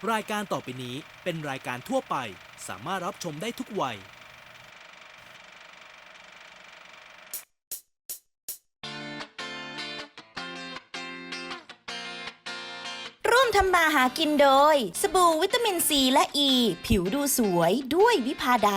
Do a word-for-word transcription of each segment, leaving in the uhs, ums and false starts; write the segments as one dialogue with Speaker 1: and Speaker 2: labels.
Speaker 1: รายการต่อไปนี้เป็นรายการทั่วไปสามารถรับชมได้ทุกวัย
Speaker 2: ร่วมทำมาหากินโดยสบู่วิตามินซีและอ e, ีผิวดูสวยด้วยวิภาดา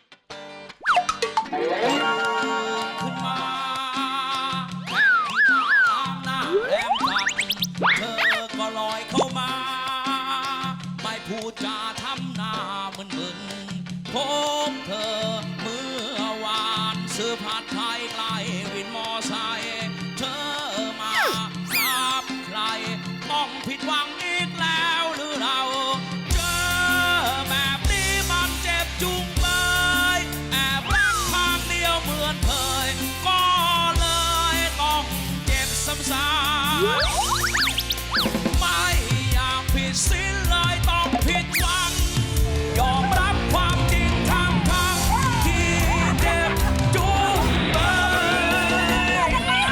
Speaker 3: ขึ้นมาแค่ที่ตางหน้าแหลมตัดเธอก็ลอยเข้ามาไม่พูดจาทำหน้ามึนมึนพบเธอเมื่อวานซื้อผัดไทยไกลวินมอไซค์เธอมาทราบใครต้องผิดหวังอีกแล้วหรือเราเจอแบบนี้มันเจ็บจุงเบยแอบรักทางเดียวเหมือนเคยก็เลยต้องเจ็บซ้ำๆไม่อยากผิดสิ้นเลยต้องผิดหวังยอมรับความจริงทั้งทั้งที่เจ็บจุงเบย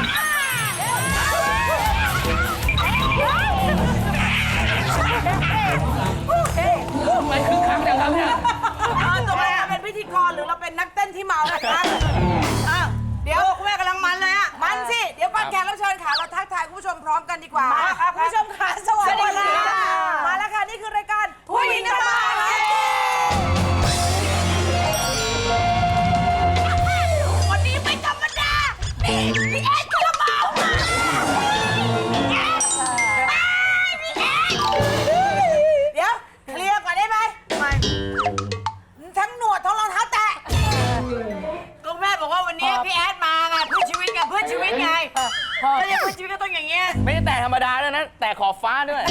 Speaker 4: ไม่คือคักจังครับเนี่ย
Speaker 5: ตกลงเราเป็นพิธีกรหรือเราเป็นนักเต้นที่เมานะคะอ้าวเดี๋ยวคุณแม่กำลังมันเลยอ่ะ มันสิ เดี๋ยวก่อนแขกรับเชิญค่ะ เราทักทายคุณผู้ชมพร้อมกันดีกว่ามาครับคุณผู้ชมค่ะสวัสดีค่ะมาแล้วค่ะ นี่คือรายการผู้หญิงทำมาหากินวันนี้ไม่ธรรมดานี่พี่เอ็ดคาราบาวมาเดี๋ยวเคลียร์ก่อนได้ไหมไม่ทั้งหนวดทั้งรองเท้าแตะก็แม่บอกว่าวันนี้พี่แอดมาไงเพื่อชีวิตไงเพื่อชีวิตไงก็เรียกเพื่อชีวิตก็ต้องอย่างเงี้ย
Speaker 4: ไม่ได้แต่ธรรมดาด้วยนะ แต่ขอบฟ้าด้วย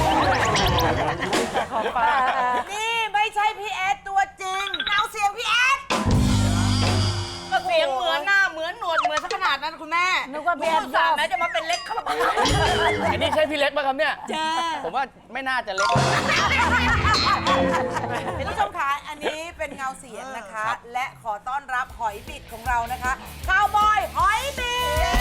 Speaker 5: ขอบฟ้านี่ไม่ใช่พี่แอดตัวจริงเอาเสียงพี่แอดก็เสียงเหมือนหน้าเหมือนหนวดเหมือนสักขนาดนั้นคุณแม่นึกว่าพี่แอดสามแม้จะมาเป็นเล็กคาราบาว
Speaker 4: ไอ้นี่ใช่พี่เล็กป่ะครับเนี่ย
Speaker 5: จ้า
Speaker 4: ผมว่าไม่น่าจะเล็ก
Speaker 5: ท่านผู้ชมคะอันนี้เป็นเงาเสียงนะคะ และขอต้อนรับหอยบิดของเรานะคะคาวบอยหอยบิ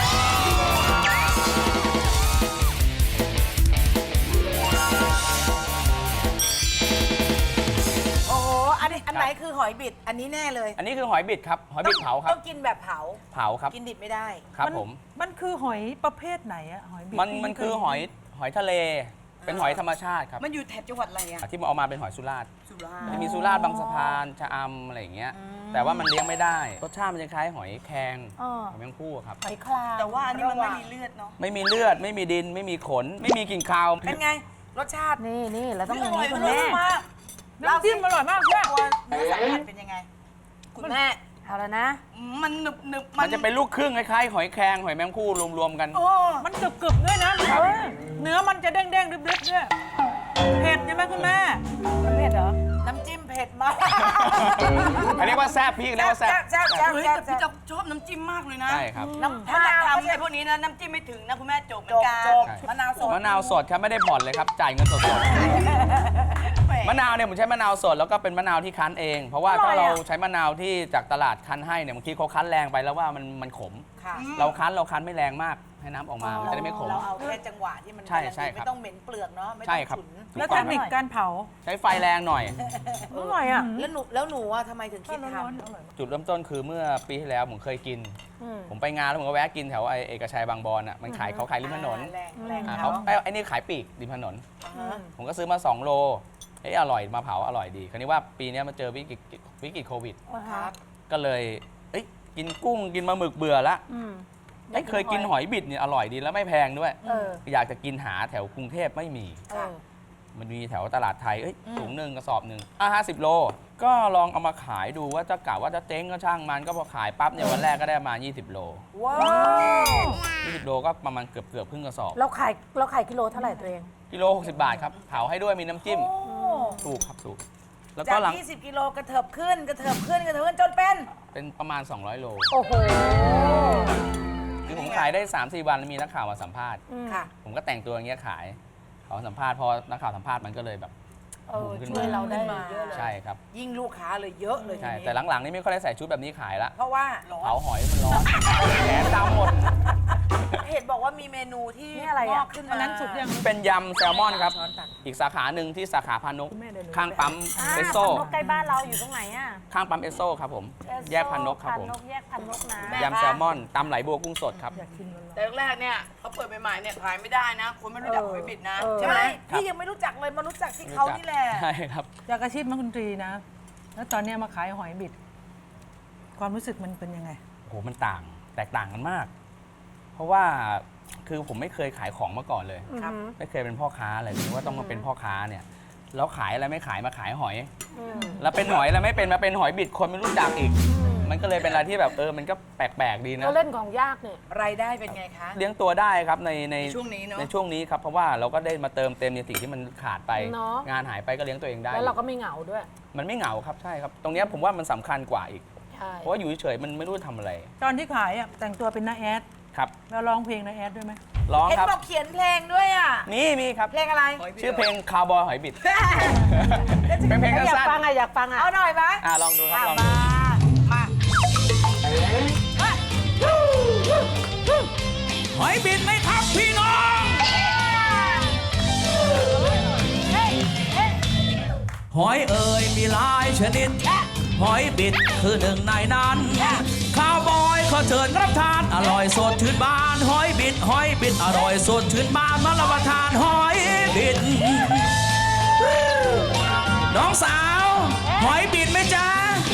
Speaker 5: ดโอ้โหอันนี้อันไหนคือหอยบิดอันนี้แน่เลย
Speaker 4: อันนี้คือหอยบิดครับ หอยบิดเผาครั
Speaker 5: ต้
Speaker 4: บ
Speaker 5: องกินแบบเผา
Speaker 4: เผาครับ
Speaker 5: กินดิบไม่ได้
Speaker 4: ครับผม
Speaker 6: มันคือหอยประเภทไหนอะหอยบิด
Speaker 4: มันมันคือหอยหอยทะเล เป็นหอยธรรมชาติครับ
Speaker 5: มันอยู่แถบจังหวัดอะไรอะ
Speaker 4: ที่มันเอามาเป็นหอยสุราษฎร์
Speaker 5: สุราษฎ
Speaker 4: จะ
Speaker 5: ร์
Speaker 4: มีสุราษฎร์บางสะพานชะอำอะไรอย่างเงี้ย แต่ว่ามันเลี้ยงไม่ได้ รสชาติมันจะคล้ายหอยแครงหอยแมงภู่ครับ
Speaker 6: หอยคลาง
Speaker 5: แต่ว่าอันนี้มันไม่มีเลือดเนาะ
Speaker 4: ไม่มีเลือด ไม่มีดิน ไม่มีขน ไม่มีกลิ่นคาว
Speaker 5: เป็นไง รสชาติ
Speaker 6: นี่นี่เราต้องอย่าง
Speaker 5: ร่
Speaker 6: นี้
Speaker 5: ย
Speaker 6: คุณแม่
Speaker 5: มาก
Speaker 6: น้ำจิ้มอร่อยมากเพื่อน
Speaker 5: ตัวเนื้อสัมผัสเป็นยังไง คุณแม่
Speaker 6: เอาแล้วนะ
Speaker 5: มันหนึบหนึบ
Speaker 4: มันจะเป็นลูกครึ่งคล้ายๆหอยแครงหอยแมงภู่รวมๆกัน
Speaker 5: โอ้
Speaker 6: มันกรึบกรึบๆด้วยนะเนื้อมันจะเด้งเด้งๆดึบๆด้วยเผ็ดใช่ไหมคุณแม่เผ็ดเหรอ
Speaker 5: น้ำจิ้มเผ็ดมาก
Speaker 4: อันนี้ว่าแซ่บพี่เรียกว่าแซ่บ
Speaker 5: แซ่บแซ่บ
Speaker 7: เฮ้ย
Speaker 5: แซ่บ
Speaker 7: แต่พี่จะชอบน้ำจิ้มมากเลยนะ
Speaker 4: ใช่ครับ
Speaker 5: น้ำ
Speaker 7: ถ้าม
Speaker 5: ะนาว
Speaker 7: ทำ
Speaker 5: ไม่
Speaker 7: ไอ้
Speaker 5: ใช่
Speaker 7: พวกนี้นะน้ำจิ้มไม่ถึงนะคุณแม่จบเหมือ
Speaker 5: จ
Speaker 7: น
Speaker 5: ก
Speaker 7: กัน
Speaker 5: จกมะนาวสด
Speaker 4: มะนาวสดครับไม่ได้ผ่อนเลยครับ จ่ายเงินสดๆ มะนาวเนี่ยผมใช้มะนาวสดแล้วก็เป็นมะนาวที่คั้นเอง เพราะว่าถ้าเราใช้มะนาวที่จากตลาดคั้นให้เนี่ยบางทีเขาคั้นแรงไปแล้วว่ามันมันขม
Speaker 5: ค่ะ
Speaker 4: เราคั้นเราคั้นไม่แรงมากให้น้ำออกมามันจะได้ไม่ขม
Speaker 5: เราเอาแค่จังหวะที่มัน
Speaker 4: ใช่ใช่ครับ
Speaker 5: ไม่ต้องเหม็นเปลือกเนาะไม่
Speaker 4: ใช่
Speaker 5: ต้อง
Speaker 4: ครับ
Speaker 5: ฉุน
Speaker 6: แล้วเทคนิคการเผา
Speaker 4: ใช้ไฟแรงหน่อย
Speaker 6: อร่อยอ่ะ
Speaker 5: แล้วหนูแล้วหนูอะทำไมถึงคิดท
Speaker 4: จุดเริ่มต้นคือเมื่อปีที่แล้วผมเคยกิน ผมไปงานแล้วผมก็แวะกินแถวไอเอกชัยบางบอนอ่ะมันขายเขาขายริมถนน
Speaker 5: แรงแรง
Speaker 4: อ่า
Speaker 5: เขา
Speaker 4: เขาไอ้ไอ้นี่ขายปลีกริมถนน ผมก็ซื้อมาสองโลเอ้ยอร่อยมาเผาอร่อยดี คราวนี้ว่าปีนี้มาเจอวิกฤตวิกฤตโควิด
Speaker 5: ครับ
Speaker 4: ก็เลยเอ้ยกินกุ้งกินปลาหมึกเบื่อละเอ้ยเคยกินหอยบิดเนี่ยอร่อยดีแล้วไม่แพงด้วย
Speaker 6: เออ
Speaker 4: อยากจะกินหาแถวกรุงเทพไม่มี
Speaker 6: เออ
Speaker 4: มันมีแถวตลาดไทยเอ้ยถุงหนึ่งกระสอบหนึ่งอ่ะห้าสิบโล ก็ลองเอามาขายดูว่าจะกะว่าจะเจ๊งก็ช่างมันก็พอขายปั๊บเนี่ยวันแรกก็ได้ประมาณยี่สิบโล
Speaker 5: ว้าว
Speaker 4: ยี่สิบโลก็ประมาณเกือบเกือบครึ่งกระสอบ
Speaker 6: เราขายเราขายกิโลเท่าไหร่ตัวเอง
Speaker 4: กิโลหกสิบบาทครับเผาให้ด้วยมีน้ำจิ้มถูกครับถูกแล้วก็
Speaker 5: จาก
Speaker 4: หลัง
Speaker 5: ยี่สิบกิโลกระเถิบขึ้นกระเถิบขึ้นกระเถิบขึ้นจนเป็น
Speaker 4: เป็นประมาณ สองร้อยโล
Speaker 6: โอ้โห
Speaker 4: คือผมขายได้ สามสี่ วันแล้วมีนักข่าวมาสัมภาษณ์
Speaker 5: ค่ะ
Speaker 4: ผมก็แต่งตัวอย่างเงี้ยขายเขาสัมภาษณ์พอนักข่าวสัมภาษณ์มันก็เลยแบบ
Speaker 6: เออ
Speaker 4: บูมขึ้น
Speaker 6: ช่วย
Speaker 4: มา
Speaker 6: เราได้
Speaker 5: เยอะเลย
Speaker 4: ใช่ครับ
Speaker 5: ยิ่งลูกค้าเลยเยอะเลย
Speaker 4: ใช่
Speaker 5: ทีนี้
Speaker 4: แต่หลังๆนี่ไม่ค่อยได้ใส่ชุดแบบนี้ขายละ
Speaker 5: เพราะว่า
Speaker 4: เผาหอยมันร้อนแขนดำหมด
Speaker 5: เห็นบอกว่ามีเมนูที่
Speaker 6: นี่อะไร
Speaker 5: ง
Speaker 6: อ่ะ
Speaker 5: อกขึ้น
Speaker 6: อั
Speaker 5: มาน
Speaker 6: นั้นสุกยัง
Speaker 4: เป็นยำแซลมอนครับ อีกสาขาหนึ่งที่สาขาพานุกข้างปั๊มเอสโซ
Speaker 8: ใกล้บ้านเราอยู่ตรงไหนอ่ะ
Speaker 4: ข้างปั๊มเอสโซครับผม แยกพานกครับผม
Speaker 8: พานกแยกพานกนะ
Speaker 4: ยำแซลมอนตำไหลบัวกุ้งสดครับ
Speaker 7: แต่แรกๆเนี่ยเขาเปิดใหม่ๆเนี่ยขายไม่ได้นะ คนไม่รู้จักหอยบิดนะ ใช่ไหม
Speaker 5: ใช่พี่ยังไม่รู้จักเลยมารู้จักที่เขานี่แหละ
Speaker 4: ใช่ครับ
Speaker 6: จากอาชีพนักดนตรีนะ แล้วตอนเนี้ยมาขายหอยบิด ความรู้สึกมันเป็นยังไง
Speaker 4: โหมันต่างแตกต่างกันมาก เพราะว่าคือผมไม่เคยขายของมาก่อนเลย
Speaker 5: ครับ
Speaker 4: ไม่เคยเป็นพ่อค้าเลยนึกว่าต้องมาเป็นพ่อค้าเนี่ยแล้วขายอะไรไม่ขายมาขายหอย แล้วเป็นหอยแล้วไม่เป็นมาเป็นหอยบิดคนไม่รู้จักอีก มันก็เลยเป็นอะไรที่แบบเออมันก็แปลกๆดีนะ
Speaker 8: เราเล่นของยากเนี่ย
Speaker 5: รายได้เป็นไงคะ
Speaker 4: เลี้ยงตัวได้ครับในใน
Speaker 7: ในช่วงนี้เนอะ
Speaker 4: ในช่วงนี้ครับเพราะว่าเราก็ได้มาเติมเต็มในสิ่งที่มันขาดไป
Speaker 8: เนอะ
Speaker 4: งานหายไปก็เลี้ยงตัวเองได้
Speaker 8: แล้วเราก็ไม่เหงาด้วย
Speaker 4: มันไม่เหงาครับใช่ครับ ตรงเนี้ยผมว่ามันสำคัญกว่าอีก
Speaker 8: ใช่
Speaker 4: เพราะว่าอยู่เฉยๆมันไม่รู้จะทำอะไร
Speaker 6: ตอนที่ขายอ่ะแต่งตัวเป็นน้าแอด
Speaker 4: ครับ
Speaker 6: แล้วร้องเพลงน้าแอดด้วยไหม
Speaker 4: ร้อง
Speaker 5: เห็น
Speaker 4: ครับ
Speaker 5: บอกเขียนเพลงด้วยอ่ะ
Speaker 4: นี่มีครับ
Speaker 5: เพลงอะไร
Speaker 4: ชื่อเพลงคาวบอยหอยบิด เป็นเพลง
Speaker 8: อยาก
Speaker 4: สั้น
Speaker 8: ฟังอ่ะ อยากฟังอ่ะ
Speaker 5: เอาหน่อยไหม
Speaker 4: ๆอ่ะลองดูครับลอง
Speaker 5: มา
Speaker 4: ดู
Speaker 5: มา
Speaker 3: หอยบิดไหมครับพี่น้อง หอยเอ่ยมีหลายชนิด หอยบิดคือหนึ่งในนั้นข้าวบอยขอเชิญรับทาน อร่อยสดชื่นบาน หอยบิด หอยบิด อร่อยสดชื่นบานมารับประทานหอยบิด น้องสาว หอยบิดไหมจ๊ะ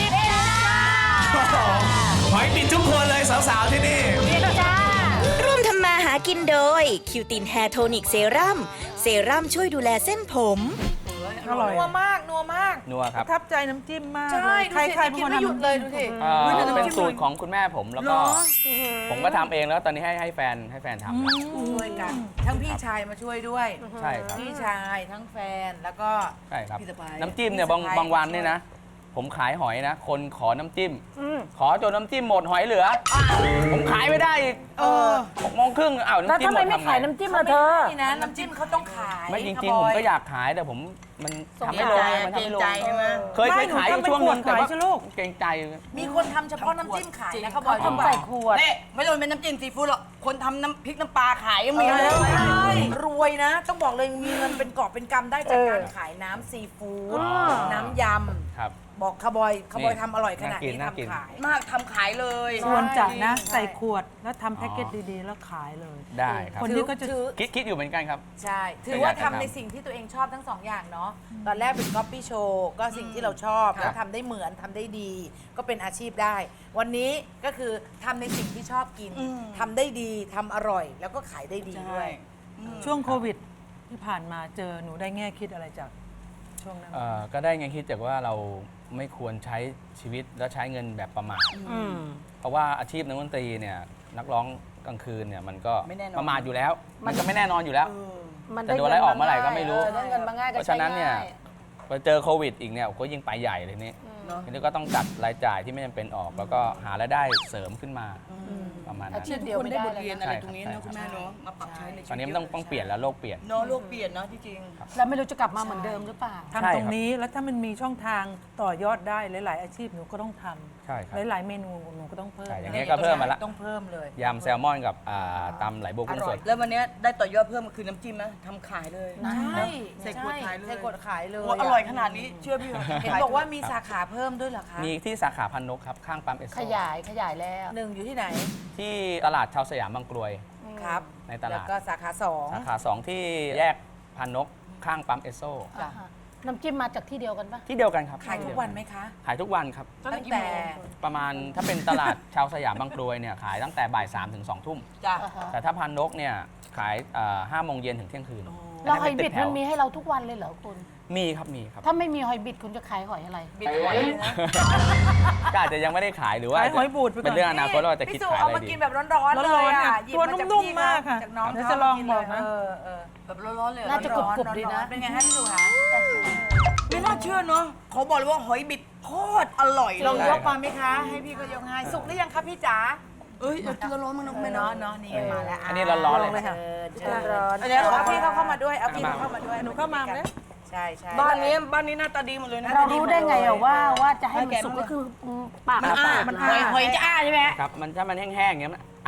Speaker 3: หอยบิดทุกคนเลยสาวๆที่นี่
Speaker 2: ร่วมทำมาหากินโดย คิวตินแฮร์โทนิกเซรั่มเซรั่มช่วยดูแลเส้นผม
Speaker 6: อร่อย
Speaker 5: นัวมาก นัวมาก
Speaker 4: นัวครับ
Speaker 6: ประทับใจน้ำจิ้มมาก
Speaker 5: ใช่
Speaker 6: เลยใคร
Speaker 5: ดูสิ
Speaker 6: ใครเป็นคน
Speaker 5: กินไม่หยุด
Speaker 6: ทำ
Speaker 5: เลยดูสิ
Speaker 4: เอ่อ
Speaker 6: อุ๊ยแต่น้ำ
Speaker 4: เป็น
Speaker 6: จิ้ม
Speaker 4: สูตรของคุณแม่ผมแล้วก็
Speaker 5: เหรอ
Speaker 4: ผมก็ทำเองแล้วตอนนี้ให้ให้แฟนให้แฟนทำ
Speaker 5: ช่วยกัน ทั้งพี่ชายมาช่วยด้วย
Speaker 4: ใช่ครับ
Speaker 5: พี่ชายทั้งแฟนแล้วก็
Speaker 4: ใช่ครับ
Speaker 5: พี่สะใภ้
Speaker 4: น้ำจิ้มเนี่ยบาง
Speaker 5: พี่สะใภ้
Speaker 4: บางวันเนี่ยนะ ผมขายหอยนะ คนขอน้ำจิ้ม ขอจนน้ำจิ้มหมดหอยเหลือ ผมขายไม่ได้อีก
Speaker 5: เออ
Speaker 4: หกโมงครึ่งอ้าว
Speaker 8: แล้ว
Speaker 4: น้ำจิ้ม
Speaker 8: ทำ
Speaker 4: หม
Speaker 8: ไม
Speaker 4: ด
Speaker 8: ไม่
Speaker 4: ทำ
Speaker 8: ขาย
Speaker 4: ไง
Speaker 8: น้ำจิ้มล่ะเธอ
Speaker 5: นี่นะน้ำจิ้มเขาต้องขาย
Speaker 4: ไม่จริง
Speaker 5: ค่ะ
Speaker 4: ๆ ผม
Speaker 5: บ
Speaker 4: ก็อยากขายแต่ผมมันทำไม่ลงมันทำไม่ลง
Speaker 7: เกรงใจใช่ไหม
Speaker 4: เคยเคยขายอยู่ช่วงนึงแต่ว่าเกรงใจ
Speaker 5: มีคนทำเฉพาะน้ำจิ้มขายนะเขาบ
Speaker 8: เขา
Speaker 5: อก
Speaker 8: ทำใส่ขวด
Speaker 7: นี่ไม่ต้องเป็นน้ำจิ้มซีฟู้ดหรอก คนทำน้ำพริกน้ำปลาขายก็มี
Speaker 5: ใช่
Speaker 7: แล้ว
Speaker 5: รวยนะ ต้องบอกเลยมีเงินเป็นกอบเป็นกำได้จากการขายน้ำซีฟู้ด
Speaker 4: อ๋อ
Speaker 5: น้ำย
Speaker 4: ครับ
Speaker 5: ำบอกคาร์บอยคาร์บอยทำอร่อยขนาดนี้
Speaker 4: น่ากิน
Speaker 5: ทำขาย
Speaker 7: มากทำขายเลย
Speaker 6: ควรจะนะ
Speaker 5: ใช่
Speaker 6: ใส่ขวดแล้วทำแพ็กเกจดีๆ แล้วขายเลย
Speaker 4: ได้ครับ
Speaker 6: คนที่ก็จะ
Speaker 5: ถือ
Speaker 4: คิดคิดอยู่เหมือนกันครับ
Speaker 5: ใช่ ถือว่าทำในสิ่งที่ตัวเองชอบทั้งสองอย่างเนาะ ตอนแรกเป็นก๊อปปี้โชว์ก็สิ่งที่เราชอบ
Speaker 4: ครับ
Speaker 5: แล้วทำได้เหมือนทำได้ดี ก็เป็นอาชีพได้ วันนี้ก็คือทำในสิ่งที่ชอบกินทำได้ดีทำอร่อย แล้วก็ขายได้ดีด้วย
Speaker 6: ช่วงโควิดที่ผ่านมาเจอหนูได้แง่คิดอะไรจากช่วงนั้น
Speaker 4: เอ่อก็ได้ไงคิดจากว่าเราไม่ควรใช้ชีวิตและใช้เงินแบบประมาทเพราะว่าอาชีพนักดนตรีเนี่ยนักร้องกลางคืนเนี่ยมันก็
Speaker 7: ไม่แน่นอน
Speaker 4: ประมาทอยู่แล้ว มันก็ไม่แน่นอนอยู่แล้ว
Speaker 8: มัน
Speaker 4: จะโดนไล่ออกเมื่อไหร่ก็ไม่รู้
Speaker 8: จะได้เงินมาง่าย
Speaker 4: เพ
Speaker 8: ก็
Speaker 4: ราะ
Speaker 8: ใช้
Speaker 4: ฉะนั้นเนี่ย
Speaker 8: ง่าย
Speaker 4: พอเจอโควิดอีกเนี่ยก็ยิ่งไปใหญ่เลยนี่ทีนี้ก็ต้องจัดรายจ่ายที่ไม่จำเป็นออก แล้วก็หารายได้เสริมขึ้นมาประมาณ
Speaker 8: อา
Speaker 4: นั้น
Speaker 8: ชีพเดียว
Speaker 7: คน
Speaker 8: ไม่
Speaker 7: ได้
Speaker 8: ได้
Speaker 7: บท
Speaker 8: เลย
Speaker 7: เรียน
Speaker 8: นะ
Speaker 7: อะไรตรงนี้เนอะคุณแม่เนาะมาปรับใช้ในชีวิต
Speaker 4: ตอนนี้มันต้องต้องเปลี่ยนแล้วโลกเปลี่ยน
Speaker 7: เนาะโลกเปลี่ยนเนาะที่จริง
Speaker 8: แล้วไม่รู้จะกลับมาเหมือนเดิมหรือเปล่า
Speaker 4: ใช่
Speaker 6: ทำ
Speaker 4: ค
Speaker 6: ต
Speaker 4: รับ
Speaker 6: รงนี้แล้วถ้ามันมีช่องทางต่อยอดได้หลาย ๆ อาชีพหนูก็ต้องท
Speaker 4: ใช่ครับ
Speaker 6: ำหลาย ๆ เมนูหนูก็ต้องเพิ่ม
Speaker 4: ใช่อย่างเงี้ยก็เพิ่มมาละ
Speaker 5: ต้องเพิ่มเลย
Speaker 4: ยำแซลมอนกับอ่าตำไหลบัวกุ้งสด
Speaker 7: แล้ววันเนี้ยได้ต่อยอดเพิ่มมาคือน้ำจิ้มนะทำขายเลย
Speaker 5: ใช่
Speaker 7: ใส่ขวดขายเลย
Speaker 5: ใส่ขวดขายเลย
Speaker 7: โอ้อร่อยขนาดนี้เชื่อพี่เหรอ
Speaker 5: เห็นบอกว่ามีสาขาเพิ่มด้วยเหรอคะ
Speaker 4: มีที่สาขาพันนกครับข้างปั๊มเอสโซ
Speaker 8: ขยายขยายแล้ว
Speaker 5: หนึ่งอยู่ที่ไหน
Speaker 4: ที่ตลาดชาวสยามบางกรวย
Speaker 5: ครับ
Speaker 4: ในตลาด
Speaker 5: แล้วก็สาขาสอง
Speaker 4: สาขาสองที่แยกพันนกข้างปั๊มเอสโซ
Speaker 8: อ่าฮะน้ำจิ้มมาจากที่เดียวกันปะ
Speaker 4: ที่เดียวกันครับ
Speaker 5: ขายทุกวันไหมคะ ขาย
Speaker 4: ขายทุกวันครับ
Speaker 5: ตั้งแต่
Speaker 4: ประมาณถ้าเป็นตลาด ชาวสยามบางกรวยเนี่ยขายตั้งแต่บ่ายสามถึงสองทุ่ม
Speaker 7: จ้ะ
Speaker 8: อ่าฮะ
Speaker 4: แต่ถ้าพันนกเนี่ยขายห้าโมงเย็นถึงเที่ยงคืน
Speaker 8: แล้วหอยบิด
Speaker 4: แถ
Speaker 8: มั
Speaker 4: วน
Speaker 8: มีให้เราทุกวันเลยเหรอคุณ
Speaker 4: มีครับมีครับ
Speaker 8: ถ้าไม่มีหอยบิดคุณจะขายหอยอะไร
Speaker 5: บิดหอยเลยนะ
Speaker 4: ก็อาจจะยังไม่ได้ขายหรือว่า
Speaker 6: ขายหอยบูดไปก่อน
Speaker 4: เป็นเรื่องอนาคตเราจะคิด
Speaker 5: พี่สุ
Speaker 4: ขาย
Speaker 5: เอา
Speaker 4: อะไร
Speaker 5: มา
Speaker 4: ดี
Speaker 5: กินแบบร้อนๆเลย
Speaker 6: ร้อนๆ
Speaker 5: อ่ะ
Speaker 6: อ่ะ
Speaker 5: หยิบ
Speaker 6: ตัว
Speaker 5: มาจาก
Speaker 6: นุ่ม
Speaker 5: พี่
Speaker 6: ๆมากค่ะ
Speaker 5: จากน้อง
Speaker 6: เดี๋ยวจะลองบอกนะ
Speaker 5: เออเออ
Speaker 7: แบบร้อนๆเลยเหรอ
Speaker 8: น่าจะกรุบๆดีนะ
Speaker 5: เป็นไงฮะพี่สุคะ
Speaker 7: ไม่น่าเชื่อเนาะเขาบอกเลยว่าหอยบิดโคตรอร่อย
Speaker 5: ลอง
Speaker 7: เลย
Speaker 5: ยกมาไหมคะ ให้พี่ก็ยกให้สุกหรือยังคะพี่จ๋า
Speaker 7: เอ้ยเอาตัวร้อนๆมั้งนะ
Speaker 5: ไม่
Speaker 7: แม่
Speaker 5: เนาะ
Speaker 7: เนาะ
Speaker 5: เนาะนี่มาแล้ว
Speaker 4: อันนี้ร้อนๆเลย
Speaker 5: งเลยค่ะเชิญ
Speaker 8: ร้อน
Speaker 5: เดี๋ยวเอาพี่เขาเข้ามาด้วย เอาพี่เขาเข้ามาด้วย
Speaker 6: หนูเข้ามาไหม
Speaker 5: ใช่ใช่
Speaker 7: บ้านนี้บ้านนี้หน้าตาดีหมดเลยนะ
Speaker 8: เรารู้ได้ไงอะว่าว่าจะให้มันสุกก็คือปาก
Speaker 7: มัน
Speaker 8: ต่อ
Speaker 7: อ้า
Speaker 8: ปาก
Speaker 7: มันหอยหอยจะอ้าใช่ไหม
Speaker 4: ครับมันถ้ามันแห้งๆอย่างเงี้ยมัน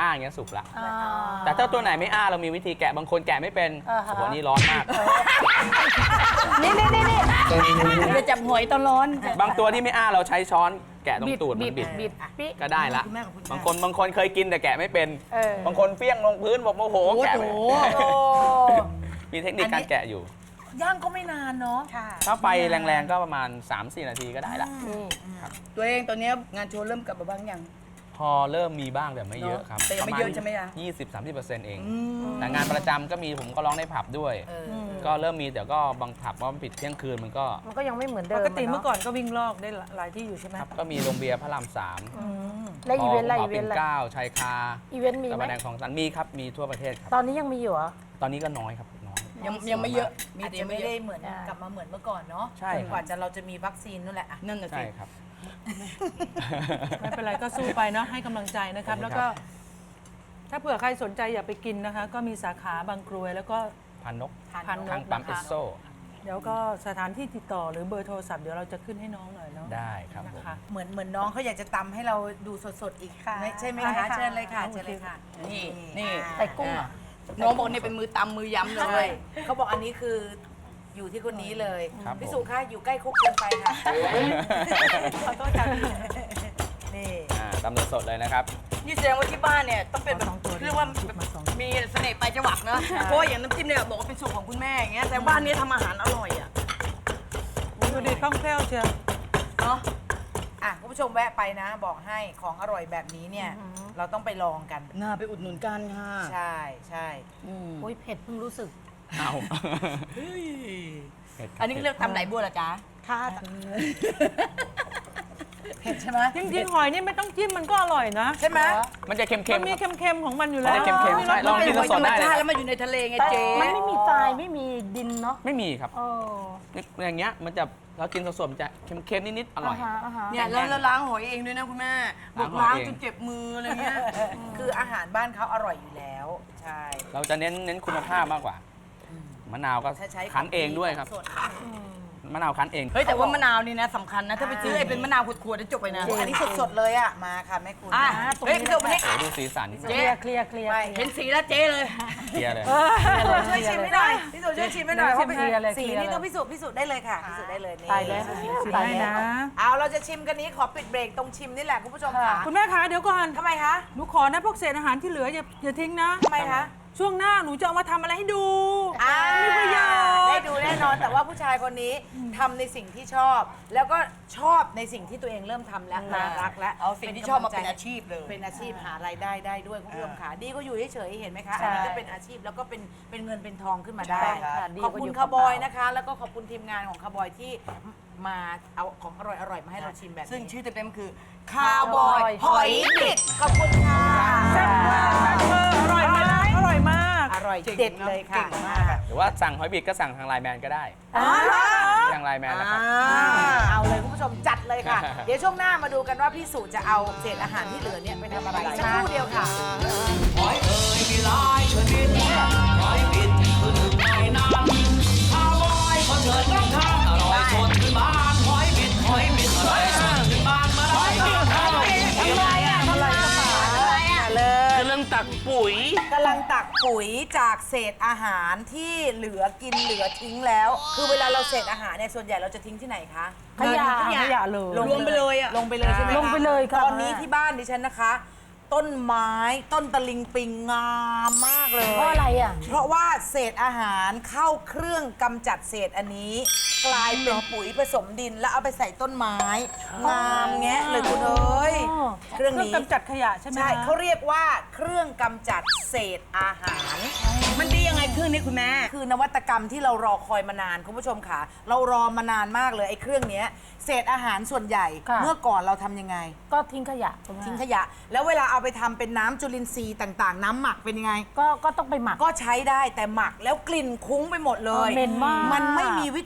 Speaker 4: อ้าอย่างเงี้ยสุกละ
Speaker 8: อ่า
Speaker 4: แต่ถ้าตัวไหนไม่อ้าเรามีวิธีแกะบางคนแกะไม่เป็น
Speaker 8: อ่าฮะ
Speaker 4: โอ้โหนี่ร้อนมาก
Speaker 8: นี่นี่นี่นี่จะจับหอยตอนร้อน
Speaker 4: บางตัวที่ไม่อ้าเราใช้ช้อนแกะตรงตูด
Speaker 8: บิ
Speaker 4: มั
Speaker 8: ด
Speaker 4: นบิด
Speaker 8: บิดปิ
Speaker 4: ก็ได้ละบางคนบางคนเคยกินแต่แกะไม่เป็น
Speaker 8: เออ
Speaker 4: บางคนเฟี้ยงลงพื้นบอกโมโหแกะไม่
Speaker 5: โอ้โห
Speaker 4: มีเทคนิคการแกะอยู่
Speaker 5: ย่างก็ไม่นานเนาะ
Speaker 4: ถ้าไฟแรงๆก็ประมาณ สามสี่ นาทีก็ได้ละ
Speaker 7: ตัวเองตอนเนี้ยงานโชว์เริ่มกลับมาบ้างยัง
Speaker 4: พอเริ่มมีบ้างแต่ไม่เยอะครับ
Speaker 7: แต่ยังไม่เยอะใช่ไหมคะ
Speaker 4: ยี่สิบ สามสิบเปอร์เซ็นต์เอง แต่งานประจำก็มีผมก็ร้องในผับด้วย ก็เริ่มมีแต่ก็บางผับว่ามันปิดเที่ยงคืนมันก็
Speaker 8: มันก็ยังไม่เหมือนเดิ
Speaker 6: ป
Speaker 8: ม
Speaker 6: กติ
Speaker 8: ะ
Speaker 6: เมื่อก่อนก็วิ่งลอกได้หลายที่อยู่ใช่ไหม
Speaker 4: ครับก็มีโรงเบียร์พระรามสาม
Speaker 8: และอีเวนต์อะไร
Speaker 4: ห
Speaker 8: อี
Speaker 4: อ
Speaker 8: เว
Speaker 4: ปิ่
Speaker 8: น
Speaker 4: น
Speaker 8: ต์อะไร
Speaker 4: เกล้าชายคา
Speaker 8: อีเวนต์มี
Speaker 4: ตะ
Speaker 8: ไหม
Speaker 4: วันแดงของสันมีครับมีทั่วประเทศครับ
Speaker 8: ตอนนี้ยังมีอยู่เหรอ
Speaker 4: ตอนนี้ก็น้อยครับน้อย
Speaker 7: ยังยังไม่เยอะ
Speaker 5: อาจจะไม่ได้เหมือน
Speaker 8: อ่าก
Speaker 5: ลับมาเหมือนเมื่อก่อนเนาะ
Speaker 4: ใช่ครับ
Speaker 5: จนกว่าจะเราจะมีวัคซีนนั่นแหละอะ
Speaker 7: นั่นน่ะสิ
Speaker 4: ใช่ครับ
Speaker 6: ไม่เป็นไรก็สู้ไปเนาะให้กำลังใจนะครับ แล้วก็ ถ้าเผื่อใครสนใจอยากไปกินนะคะ ก็มีสาขาบางกรวยแล้วก็
Speaker 4: พันนก
Speaker 6: พันน
Speaker 4: ทาง
Speaker 6: ก
Speaker 4: ปั๊ม
Speaker 6: นะ
Speaker 4: เอ
Speaker 6: คะ
Speaker 4: สโซ
Speaker 6: เดี๋ยวก็สถานที่ติดต่อหรือเบอร์โทรศัพท์เดี๋ยวเราจะขึ้นให้น้องหน่อยเนาะ
Speaker 4: ได้ครับผม
Speaker 6: นะคะ
Speaker 5: เหมือนเหมือนน้องเขาอยากจะตำให้เราดูสดๆอีกค่ะใช่ไหมคะเชิญเลยค่ะเชิญเลยค่ะ
Speaker 7: นี่นี่
Speaker 8: ใส่กุ้งอ่ะ
Speaker 7: น้องบอกเนี่ยเป็นมือตำมือยำเล
Speaker 5: ใช่
Speaker 7: ย
Speaker 5: เขาบอกอันนี้คืออยู่ที่คนนี้เลย
Speaker 4: ครับ
Speaker 5: พี่
Speaker 4: ผม
Speaker 5: สุค่ะอยู่ใกล้คุกเกินไปค่ะขอโทษค่ะนี่
Speaker 4: อ่าตำสดๆเลยนะครับ
Speaker 7: นี่แสดงว่าที่บ้านเนี่ยต้องเป็นแบบเรียกว่ามีเสน่ห์ปลายจังหวัดเนอะเพราะว่าอย่างน้ำจิ้มเนี่ยบอกว่าเป็นสูตรของคุณแม่อย่างเงี้ยแต่บ้านเนี้ทำอาหารอร่อยอ่ะ
Speaker 6: ดูดีคล่องแคล่วเชียว
Speaker 7: เนาะ
Speaker 5: อ่ะคุณผู้ชมแวะไปนะ บอกให้ของอร่อยแบบนี้เนี่ย เราต้องไปลองกัน
Speaker 7: น่าไปอุดหนุนกันค่ะ
Speaker 5: ใช่ใช่
Speaker 7: อืม
Speaker 8: โอ้ยเผ็ดเพิ่งรู้สึก
Speaker 4: เอา
Speaker 7: อันนี้เรียกตำไหลบัวเหรอจ๊ะ
Speaker 8: ค่ะ
Speaker 5: เผ็ดใช่ไหม
Speaker 6: จริงๆหอยนี่ไม่ต้องจิ้มมันก็อร่อยนะ
Speaker 5: ใช่ไหม
Speaker 4: มันจะเค็ม
Speaker 6: มัน
Speaker 4: ๆ
Speaker 6: มี
Speaker 4: ครับ
Speaker 6: เค็มๆของมันอยู่
Speaker 4: มัน
Speaker 6: แล้ว
Speaker 4: จะเค็มๆใช่ลองกินสดๆได้เลย
Speaker 7: แล้วมาอยู่ในทะเลไงเจ๊
Speaker 8: มันไม่มีทรายไม่มีดินเนาะ
Speaker 4: ไม่มีครับ
Speaker 8: เออ
Speaker 4: อย่างเงี้ยมันจะเรากินสดๆมันจะเค็มๆนิดๆอร่อย
Speaker 8: าฮะอ่าฮะ
Speaker 7: เนี่ยแล้วแล้วล้างหอยเองด้วยนะคุณแม่บอก
Speaker 4: ล้า
Speaker 7: ล้าง ง
Speaker 4: หอยเอง
Speaker 7: จนเจ็บมืออะไรเงี้ย
Speaker 5: คืออาหารบ้านเขาอร่อยอยู่แล้ว ใช่
Speaker 4: เราจะเน้นเน้นคุณภาพมากกว่า มะนาวก็
Speaker 5: ถ้าใช้
Speaker 4: คั้นเองด้วยครับ
Speaker 5: สด
Speaker 4: มะนาวคั้นเอง
Speaker 7: เฮ้ยแต่ว่ามะนาวนี่นะสำคัญนะ ถ้าไปซื้อไอ้เป็นมะนาวขวดๆจะจบไปนะ
Speaker 5: อันนี้สดๆเลยอ่ะ มาค่ะแม่คุณ
Speaker 7: อ่ะ
Speaker 8: ตรง
Speaker 7: เฮ้ย
Speaker 8: นี้
Speaker 7: พี่เดี๋ยวมานี่
Speaker 4: โอ้ดูสีสัน
Speaker 8: เคลียร์เคลียร์เคลียร์
Speaker 5: ไม่
Speaker 7: เห็นสีแล้วเจ๊เลย
Speaker 4: เคลียร์เลย
Speaker 5: ช่วยชิมให้หน่อยพี่สุช่วยชิมให้หน่อยเพราะเป็น
Speaker 8: เคลียร์เลย
Speaker 5: สี
Speaker 8: เคลียร์
Speaker 5: นี่
Speaker 8: เลย
Speaker 5: ต้องพิสูจน์พิสูจน์ได้เลยค่ะพิสูจน์ได้เลยนี่
Speaker 8: ตายแล้ว
Speaker 6: สี
Speaker 8: ตาย
Speaker 6: ให้
Speaker 8: แล้ว
Speaker 6: นะ
Speaker 5: เอาเราจะชิมกันนี้ขอปิดเบรกตรงชิมนี่แหละคุณผู้ชมค่ะ
Speaker 6: คุณแม่คะเดี๋ยวก่อน
Speaker 5: ทำไมคะ
Speaker 6: หนูขอนะพวกเศษอาหารที่เหลืออย่าอย่าทิ้งนะ
Speaker 5: ทำไมคะ
Speaker 6: ช่วงหน้าหนูจะเอามาทำอะไรให้ดู
Speaker 5: อ่า
Speaker 6: มีประโยช
Speaker 5: ได้
Speaker 6: น์
Speaker 5: ดูแน่นอนแต่ว่าผู้ชายคนนี้ทำในสิ่งที่ชอบ แล้วก็ชอบในสิ่งที่ตัวเองเริ่มทำแล้วน่ารักแล้ว
Speaker 7: เอาสิ่งที่ชอบมาเป็นอาชีพเลย
Speaker 5: เป็นอาชีพหารายได้ได้ด้วยคุณผู้ชมค่ะดีก็อยู่เฉยๆเห็นไหมคะ
Speaker 8: ใช่
Speaker 5: อันนี้ก็เป็นอาชีพแล้วก็เป็นเป็นเงินเป็นทองขึ้นมาได้
Speaker 8: ใช่ค่ะดี
Speaker 5: ขอบ
Speaker 8: กว่า
Speaker 5: คุ
Speaker 8: อ
Speaker 5: ณ
Speaker 8: ยู่
Speaker 5: คาร์บอย
Speaker 8: เปล่าๆ
Speaker 5: นะคะ แล้วก็ขอบคุณทีมงานของคาร์บอยที่มาเอาของอร่อยๆมาให้เราชิมแบบนี้
Speaker 7: ซึ่งชื่อเต็มๆคือ
Speaker 5: คาร์บอยหอยบิดขอบคุณค่ะ
Speaker 6: แซ่บมากเอออร่อยมากอร่อยมาก
Speaker 5: อร่อยเด็ดเลยค่ะ
Speaker 4: หรือว่าสั่งหอยบิดก็สั่งทางไลน์แมนก็ได้
Speaker 5: อ๋อเหรอ
Speaker 4: ทางไลน์แมนนะครับ
Speaker 5: อ่าเอาเลยคุณผู้ชมจัดเลยค่ะ เดี๋ยวช่วงหน้ามาดูกันว่าพี่สุจะเอาเศษอาหารที่เหลือเนี่ยไปทำอะไรสักครู่เดียวค่ะ
Speaker 3: หอยเอ่ยมีหลายชนิดหอยบิดคือหนึ่งในนั้นข้าวบอยก็เถิดต้องทานอร่อยสดขึ้นบ้านหอยบิดหอยบิดอร่อยสดขึ้นบ้านมาหอยบิดหอยบิด
Speaker 5: ทำไรอ่ะทำไรอ่ะอะไรอ่ะเลย
Speaker 3: กำลังตักปุ๋ย
Speaker 5: กำลังตักปุ๋ยจากเศษอาหารที่เหลือกินเหลือทิ้งแล้ว คือเวลาเราเศษอาหารเนี่ยส่วนใหญ่เราจะทิ้งที่ไหนคะ
Speaker 8: ขยะ
Speaker 6: ขยะเลย
Speaker 5: ลงไปเลยอะลงไปเลยใช่ไหมคะ
Speaker 8: ลงไปเลยค่ะ
Speaker 5: ตอนนี้ที่บ้านดิฉันนะคะ ต้นไม้ต้นตะลิงปิงงามมากเลย
Speaker 8: เพราะอะไรอ่ะ
Speaker 5: เพราะว่าเศษอาหารเข้าเครื่องกำจัดเศษอันนี้ กลายเป็นปุ๋ยผสมดินแล้วเอาไปใส่ต้นไม้งามแงะเลยคุณเอ้ย
Speaker 8: อ๋อ
Speaker 5: เครื่อง
Speaker 6: เครื่อง
Speaker 5: นี้
Speaker 6: กำจัดขยะใช่ไหม
Speaker 5: ใช่
Speaker 6: คะ
Speaker 5: เขาเรียกว่าเครื่องกำจัดเศษอาหาร
Speaker 7: มันดียังไงเครื่องนี้คุณแม่
Speaker 5: คือนวัตกรรมที่เรารอคอยมานานคุณผู้ชมค่ะ เรารอมานานมากเลยไอ้เครื่องเนี้ยเศษอาหารส่วนใหญ่
Speaker 8: ค่ะ
Speaker 5: เมื่อก่อนเราทำยังไง
Speaker 8: ก็ทิ้งขยะคุณแม่
Speaker 5: ทิ้งขยะ แล้วเวลาเอาไปทำเป็นน้ำจุลินทรีย์ต่างๆ น้ำหมักเป็นยังไง
Speaker 8: ก็ก็ต้องไปหมัก
Speaker 5: ก็ใช้ได้แต่หมักแล้วกลิ่นคุ้งไปหมดเลย
Speaker 8: เออเหม็นมาก
Speaker 5: มันไม่มีวิธีอื่นเลย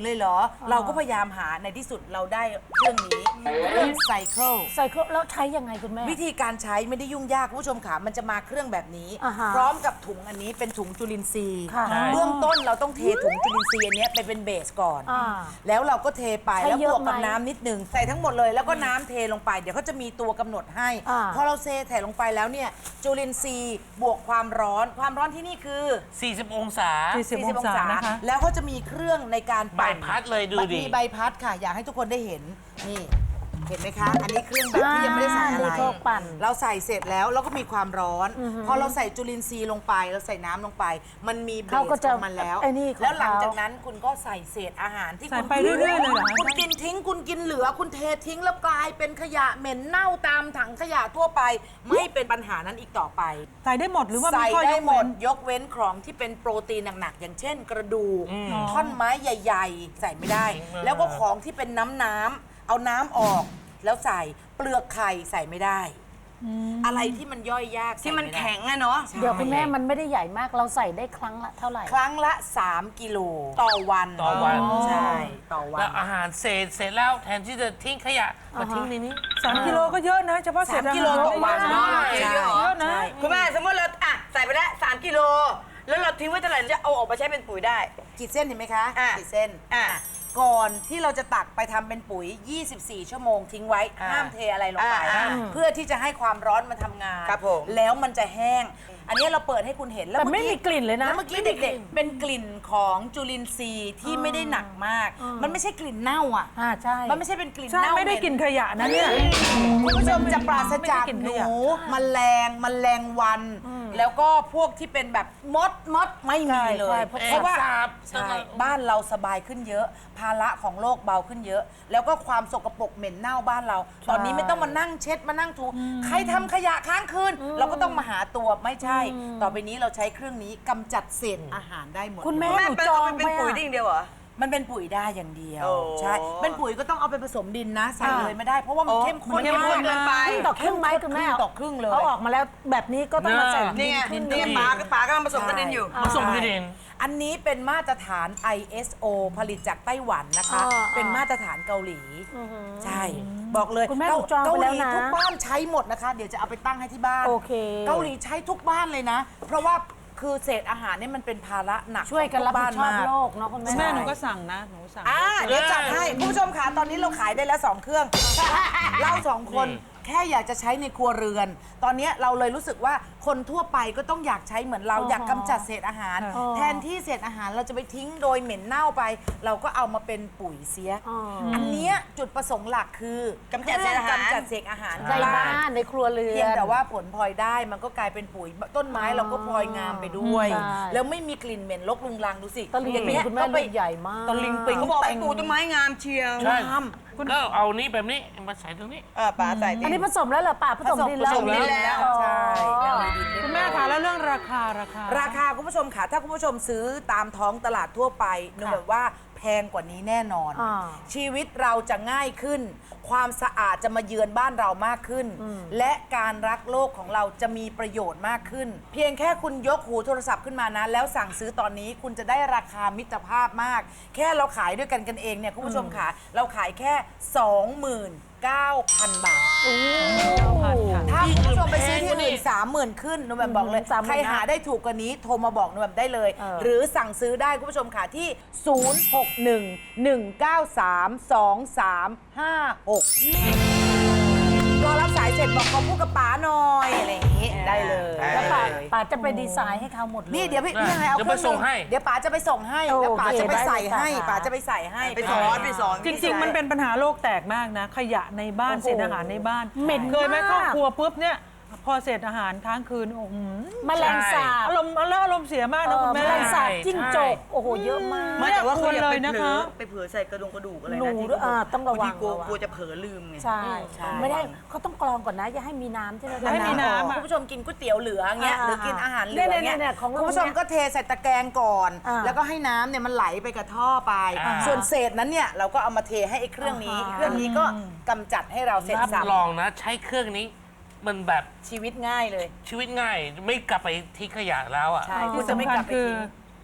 Speaker 5: เลยเหรอ เราก็พยายามหาในที่สุดเราได้เครื่องนี้เครื่องไซเคิล
Speaker 8: ใส่เครื่องแล้วใช้ยังไงคุณแม่
Speaker 5: วิธีการใช้ไม่ได้ยุ่งยากคุณผู้ชมค่ะมันจะมาเครื่องแบบนี้
Speaker 8: อ่าฮะ
Speaker 5: พร้อมกับถุงอันนี้เป็นถุงจุลินทรีย์
Speaker 8: ค่ะ
Speaker 5: เบื้องต้นเราต้องเทถุงจุลินทรีย์อันเนี้ยไปเป็นเบสก่อน
Speaker 8: อ่า
Speaker 5: แล้วเราก็เทไป
Speaker 8: ใช้
Speaker 5: แล้ว
Speaker 8: เย
Speaker 5: บ
Speaker 8: อะ
Speaker 5: วกกับ
Speaker 8: ไหม
Speaker 5: น้ำนิดนึงใส่ทั้งหมดเลยแล้วก็น้ำเทลงไปเดี๋ยวเขาจะมีตัวกำหนดให้
Speaker 8: อ่า
Speaker 5: พอเราเทใส่ลงไปแล้วเนี่ยจุลินทรีย์บวกความร้อนความร้อนที่นี่คือ
Speaker 9: สี่สิบ องศา
Speaker 6: 40 องศานะคะ
Speaker 5: แล้วเขาจะมีเครื่องในการ
Speaker 9: ใบ
Speaker 5: ปั่น
Speaker 9: พัดเลยดูดิ
Speaker 5: มีใบพัดค่ะ อยากให้ทุกคนได้เห็นนี่เห็นไหมคะ อันนี้เครื่องแบบที่ยังไม่ได้ใส่อะไร
Speaker 8: อ่ามีเครื่องปั่น
Speaker 5: เราใส่เสร็จแล้วเราก็มีความร้อน พอเราใส่จุลินทรีย์ลงไปเราใส่น้ำลงไป มันมีเบส
Speaker 8: เขาก็จะ
Speaker 5: ของมันแล้ว
Speaker 8: ไอ้นี่ของ
Speaker 5: แล้วหลัง
Speaker 8: เขา
Speaker 5: จากนั้นคุณก็ใส่เศษอาหารที่
Speaker 6: ใส่
Speaker 5: คุณ
Speaker 6: ไปเรื่อยๆเลยเหรอคะ
Speaker 5: คุณกินทิ้งคุณกินเหลือคุณเททิ้งแล้วกลายเป็นขยะเหม็นเน่าตามถังขยะทั่วไป ไม่เป็นปัญหานั้นอีกต่อไป
Speaker 6: ใส่ได้หมดหรือว่ามี
Speaker 5: ใส่
Speaker 6: ข้อย
Speaker 5: ได้
Speaker 6: ก
Speaker 5: หม
Speaker 6: เว้
Speaker 5: ด
Speaker 6: น
Speaker 5: ยกเว้นของที่เป็นโปรตีนหนักๆอย่างเช่น กระดูกท่อนไม้ใหญ่ ๆ ใส่ไม่ได้ แล้วก็ของที่เป็นน้ำน้ำๆเอาน้ำออก แล้วใส่เปลือกไข่ใส่ไม่ได้ อะไรที่มันย่อยยาก
Speaker 7: ที่มัน
Speaker 5: ใส่ไได้
Speaker 7: แข็งอะเนาะ
Speaker 8: เดี๋ยวคุณแม่มันไม่ได้ใหญ่มากเราใส่ได้ครั้งละเท่าไหร่
Speaker 5: ครั้งละ สาม กิโลต่อวัน
Speaker 9: ต่อวัน
Speaker 5: ใช่ต่อวั
Speaker 9: แล้
Speaker 5: น
Speaker 9: วอาหารเศษเสร็จแล้วแทนที่จะทิ้งขยะมาทิ้งในนี้
Speaker 6: สามกิโลก็เยอะนะเฉพาะเศษ
Speaker 5: สาม
Speaker 6: อาหาร
Speaker 5: กิโลต่อวัน
Speaker 6: เยอะนะ
Speaker 5: ใช่
Speaker 6: เยอะนะ
Speaker 7: คุณแม่สมมติเราอ่ะใส่ไปแล้วสามกิโล แล้วเราทิ้งไว้เท่าไหร่จะเอาออกมาใช้เป็นปุ๋ยได้
Speaker 5: ขีดเส้นเห็นไหมคะ
Speaker 7: อ่ะ
Speaker 5: ขีดเส้น
Speaker 7: อ่ะ
Speaker 5: ก่อนที่เราจะตักไปทำเป็นปุ๋ย ยี่สิบสี่ ชั่วโมงทิ้งไว้
Speaker 7: อ่า
Speaker 5: ห้ามเทอะไรลงไป
Speaker 7: อ่า
Speaker 5: เพื่อที่จะให้ความร้อนมันทำงาน
Speaker 7: ครับผม
Speaker 5: แล้วมันจะแห้ง อันนี้เราเปิดให้คุณเห็นแล้ว
Speaker 8: แต่ไม่
Speaker 5: เอ
Speaker 8: มีกลิ่นเลยนะ
Speaker 5: แล้วเมื่อกี้เด็กๆ เป็นกลิ่นของจุลินทรีย์ที่ไม่ได้หนักมาก มันไม่ใช่กลิ่นเน่าอ่ะ
Speaker 8: อ่าใช่
Speaker 5: มันไม่ใช่เป็นกลิ่น
Speaker 6: ใช่
Speaker 5: เน่า
Speaker 6: ไม่ได้
Speaker 5: เห
Speaker 6: กินขยะนะเนี่ย
Speaker 5: คุณผู้ชมจะปราศจาก
Speaker 6: ไม่ได้กิน
Speaker 5: ห
Speaker 6: ข
Speaker 5: นู
Speaker 6: ยะ
Speaker 5: แมลงแมลงวัน แล้วก็พวกที่เป็นแบบมดมดไม่มีเลย เพราะว่า
Speaker 9: สาบ
Speaker 5: ใช่บ้านเราสบายขึ้นเยอะ ภาระของโลกเบาขึ้นเยอะ แล้วก็ความสกปรกเหม็นเน่าบ้านเรา ตอนนี้ไม่ต้องมานั่งเช็ดมานั่งถูใครทำขยะค้างคืนเราก็ต้องมาหาตัวไม่ใช่ ต่อไปนี้เราใช้เครื่องนี้กำจัดเศษอาหารได้หมด
Speaker 8: คุณแม่
Speaker 7: แม่
Speaker 8: หนู
Speaker 7: เป็น
Speaker 8: จอง
Speaker 7: เป็น
Speaker 8: ไป
Speaker 7: ปุ๋ย
Speaker 8: อะ
Speaker 7: ได้อย่างเดียวเหรอ
Speaker 5: มันเป็นปุ๋ยได้อย่างเดียว
Speaker 7: โอ้
Speaker 5: ใช่เป็นปุ๋ยก็ต้องเอาไปผสมดินนะใส่เลยไม่ได้ เพราะว่ามันเข้มข้น
Speaker 6: มันเข้มข้น
Speaker 5: เกินไป
Speaker 8: ครึ่งต่อครึ่งไหมคุณแม่
Speaker 5: ครึ่งต่อครึ่งเลย
Speaker 8: เอาออกมาแล้วแบบนี้ก็ต้องมาใส่
Speaker 7: นี่ไง
Speaker 8: ดิน
Speaker 7: นี่ไงป๋าป๋ากำลังผสมกระเด็นอยู่
Speaker 9: มาส่งที่ดิน
Speaker 5: อันนี้เป็นมาตรฐาน ไอ เอส โอ ผลิตจากไต้หวันนะคะ
Speaker 8: อ่า
Speaker 5: เป็นมาตรฐานเกาหลี ใช่ บอกเลย
Speaker 8: คุณแม่
Speaker 5: เกา
Speaker 8: หนูจอง
Speaker 5: เกา
Speaker 8: ไป
Speaker 5: ห
Speaker 8: แล้ว
Speaker 5: ลี
Speaker 8: นะ
Speaker 5: ทุกบ้านใช้หมดนะคะ เดี๋ยวจะเอาไปตั้งให้ที่บ้าน
Speaker 8: โอเค
Speaker 5: เกาหลีใช้ทุกบ้านเลยนะ เพราะว่าคือเศษอาหารเนี่ยมันเป็นภาระหนัก
Speaker 8: ช่วยกันรับผิดชอบ
Speaker 5: ขงทุ
Speaker 8: โล
Speaker 5: บ้าน
Speaker 8: กเนาะคุณ
Speaker 6: คุณ
Speaker 8: แม่
Speaker 6: แม่หนูก็สั่งนะหนูสั่ง
Speaker 5: อ่าเดี๋ยวจัดให้คุณผู้ชมค่ะตอนนี้เราขายได้แล้วสองเครื่อง เราสองคนแค่อยากจะใช้ในครัวเรือน ตอนนี้เราเลยรู้สึกว่าคนทั่วไปก็ต้องอยากใช้เหมือนเรา
Speaker 8: อ๋อ
Speaker 5: อยากกำจัดเศษอาหาร
Speaker 8: อ๋อ
Speaker 5: แทนที่เศษอาหารเราจะไปทิ้งโดยเหม็นเน่าไป เราก็เอามาเป็นปุ๋ยเสีย
Speaker 8: อ๋ออั
Speaker 5: อันเนี้ยจุดประสงค์หลักคือก
Speaker 7: ำจัดเศษอาหาร
Speaker 5: กำจัดเศษอาหาร
Speaker 8: ในบ้านในครัวเรือน
Speaker 5: เพียงแต่ว่าผลพลอยได้มันก็กลายเป็นปุ๋ยต้นไม้เราก็พลอยงามไปด้วย
Speaker 8: ใช่
Speaker 5: แล้วไม่มีกลิ่นเหม็นรกรุงรังดูสิ
Speaker 8: ตะลิง
Speaker 5: อย่าง
Speaker 8: ปิง
Speaker 5: เงี้ย
Speaker 8: คุณแม่
Speaker 5: ก็ไป
Speaker 8: ลูกใหญ่มาก
Speaker 5: ตะลิงปิง
Speaker 7: เขาบอกให้ปลูกต้นไม้งามเชียว
Speaker 9: ใช่
Speaker 5: งาม
Speaker 9: แล้วเอานี้แบบนี้มาใส่ตรงนี้
Speaker 7: เออป๋าใส่ดิ
Speaker 8: อันนี้ผสมแล้วเหรอป่าผสมดินแล้ว
Speaker 5: ผสมดินแล้ว
Speaker 8: อ๋อ
Speaker 5: ใช่แล้วมีดินเรียบร้อย
Speaker 6: คุณแม่คะแล้วเรื่องราคาราคา
Speaker 5: ราคาคุณผู้ชมค่ะ ถ้าคุณผู้ชมซื้อตามท้องตลาดทั่วไปหนูแบบว่าแพงกว่านี้แน่นอน
Speaker 8: อ่า
Speaker 5: ชีวิตเราจะง่ายขึ้น ความสะอาดจะมาเยือนบ้านเรามากขึ้น และการรักโลกของเราจะมีประโยชน์มากขึ้น เพียงแค่คุณยกหูโทรศัพท์ขึ้นมานะ แล้วสั่งซื้อตอนนี้คุณจะได้ราคามิตรภาพมาก แค่เราขายด้วยกันกันเองเนี่ยคุณผู้ชมค่ะเราขายแค่ สองหมื่นเก้าพัน บาท
Speaker 6: พันค่ะ
Speaker 5: ถ้าคุณผู้ชมไปซื้อที่อื่นสามหมื่นขึ้นหนูแบบบอกเลย
Speaker 8: สามหมื่น
Speaker 5: ใครหาได้ถูกกว่านี้โทรมาบอกหนูแบบได้เลย
Speaker 8: เออ
Speaker 5: หรือสั่งซื้อได้คุณผู้ชมค่ะที่ ศูนย์ หก หนึ่ง หนึ่ง เก้า สาม สอง สาม ห้า หก รอรับสายเสร็จบอกขอพูดกับป๋าหน่อยอะไรอย่างนี้ได้เลย
Speaker 8: แล้วป่าป่าจะไปดีไซน์ให้เขาหมดเลย
Speaker 5: นี่เดี๋ยวพี่พี่ยังไงเอา
Speaker 9: เดี๋ยว
Speaker 5: เค
Speaker 9: ไป
Speaker 5: รื่อง
Speaker 9: ส่งให้
Speaker 5: เดี๋ยวป๋าจะไปส่งให้
Speaker 8: โอเค
Speaker 5: แล้วป๋าจะไปใส่ให้
Speaker 8: ได้เลยค่ะ
Speaker 5: ป๋าจะไปใส่ให้
Speaker 7: ไปสอนไปสอน
Speaker 6: จริง ๆ มันเป็นปัญหาโลกแตกมากนะ ขยะในบ้าน
Speaker 8: โอ้โห
Speaker 6: เศษอาหารในบ้าน
Speaker 8: เหม็น
Speaker 6: เคยไหม
Speaker 8: มาก
Speaker 6: ครอบครัวปุ๊บเนี่ยพอเศษอาหารค้างคืนโอ้โห
Speaker 8: แมลงสาบ
Speaker 6: อารมณ์แล้วอารมณ์เสียมาก
Speaker 8: เอ
Speaker 6: นะ
Speaker 8: อ
Speaker 6: คุณ
Speaker 8: แม
Speaker 6: แม่
Speaker 8: ลงสาบ
Speaker 9: ใช่
Speaker 8: จิ้งจกโอ้โหเยอะมาก
Speaker 7: ไม่แต่ว่าเขาอย่า
Speaker 6: เล
Speaker 7: ไป
Speaker 6: ยนะ
Speaker 7: เผล
Speaker 6: คะ
Speaker 7: อไปเผลอใส่กระดงกระดูกอะไร
Speaker 8: หนู
Speaker 7: นะที่
Speaker 8: ด้วยอ่าต้องระวัง
Speaker 7: บาทีกลัว
Speaker 8: ระวัง
Speaker 7: กลัวจะเผลอลืมไง
Speaker 8: ใช่
Speaker 5: ใช่
Speaker 8: ไม่ได้เขาต้องกรองก่อนนะอย่าให้มีน้ำใช่ไหม
Speaker 6: อย่าให้มีน้ำ
Speaker 5: คุณผู้ชมกินก๋วยเตี๋ยวเหลือเงี้ย
Speaker 8: อ่า
Speaker 5: หรือกินอาหารเหลื
Speaker 8: เนี่
Speaker 5: อย เงี้ย
Speaker 8: เนี่ยของ
Speaker 5: คุณผู้ชมก็เทใส่ตะแกรงก่อน
Speaker 8: อ่า
Speaker 5: แล้วก็ให้น้ำเนี่ยมันไหลไปกับท่อไป
Speaker 9: อ่า
Speaker 5: ส่วนเศษนั้นเนี่ยเราก็เอามาเทให้ไอ้เครื่องนี้
Speaker 8: อ่า
Speaker 5: เครื่องนี้ก็กำจัดให้เราเสร็จ
Speaker 9: รับ
Speaker 5: สับ
Speaker 9: รองนะ ใช้เครื่องนี้ มันแบบ
Speaker 5: ชีวิตง่ายเลย
Speaker 9: ชีวิตง่าย ไม่กลับไปทิ้งขยะแล้วอ่ะ
Speaker 5: ใช่
Speaker 6: ที่
Speaker 5: คุณจะไม่
Speaker 6: สำคั
Speaker 5: ก
Speaker 6: ญ
Speaker 5: ลับไป
Speaker 6: คือ
Speaker 5: ทิ้ง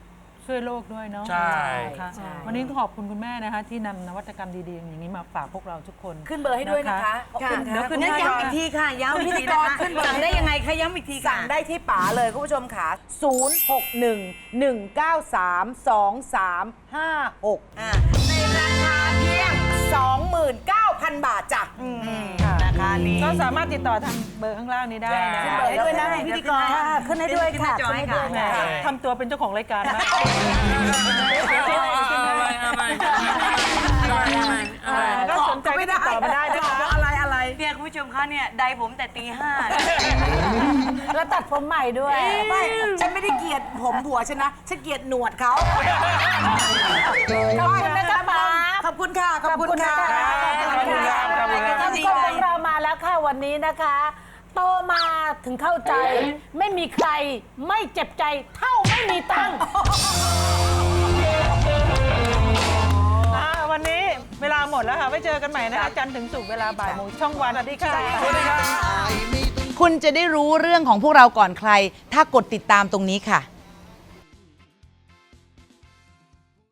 Speaker 6: ช่วยโลกด้วยเนาะ
Speaker 9: ใช่
Speaker 6: ค่ะวันนี้ต้องขอบคุณคุณแม่นะคะที่นำนวัตกรรมดีๆอย่างนี้มาฝากพวกเราทุกคน
Speaker 5: ขึ้นเบอร์ให้ด้วยนะคะขอบคุณ
Speaker 6: เดี๋ยว
Speaker 5: ค่ะ
Speaker 6: ขึ้น
Speaker 7: งั้น
Speaker 6: ให้
Speaker 7: ย้ำอีกทีค่ะย้ำพิธีกรขึ้นสั่งได้ยังไงคะย้ำอีกทีค่ะ
Speaker 5: สั่งได้ที่ป๋าเลยคุณผู้ชมค่ะ ศูนย์ หก หนึ่ง หนึ่ง เก้า สาม สอง สาม ห้า หก
Speaker 7: อ่า
Speaker 5: ในราคาเพียง สองหมื่นเก้าพัน บาทจ้ะ
Speaker 6: ราคานี้ก็สามารถติดต่อทางเบอร์ข้างล่างนี้ได้นะ
Speaker 5: ขึ้นเบอร์ให้ด้วยนะพิธีกร
Speaker 7: ขึ้นให้ด้วยค่ะขึ้นให้ด้วย
Speaker 6: แหม
Speaker 7: ค่ะ
Speaker 6: ทำตัวเป็นเจ้าของรายการมาก ก็สนใจก็ติดต่อมาได้นะคะ
Speaker 5: อะไรอะไร
Speaker 7: เนี่ยคุณผู้ชมคะเนี่ยไดผมแต่ตีห้า
Speaker 8: แล้วตัดผมใหม่ด้วย
Speaker 5: ไม่ ฉันไม่ได้เกลียดผมผัวฉันนะ ฉันเกลียดหนวดเขา
Speaker 8: ขอบคุณนะจ๊ะป๋า
Speaker 5: ขอบคุณค่ะ ขอบคุณค่ะ
Speaker 6: ขอบคุณครับ
Speaker 8: ท่านผู้ชมของเรามาแล้วค่ะวันนี้นะคะ โตมาถึงเข้าใจ ไม่มีใครไม่เจ็บใจเท่าไม่มีตังค์
Speaker 6: อ่าวันนี้เวลาหมดแล้วค่ะ ไว้เจอกันใหม่นะคะจันทร์ถึงศุกร์เวลาบ่ายโมงช่องวันสวัสดีค่ะ
Speaker 5: สวัสดีค่ะ
Speaker 10: คุณจะได้รู้เรื่องของพวกเราก่อนใคร ถ้ากดติดตามตรงนี้ค่ะ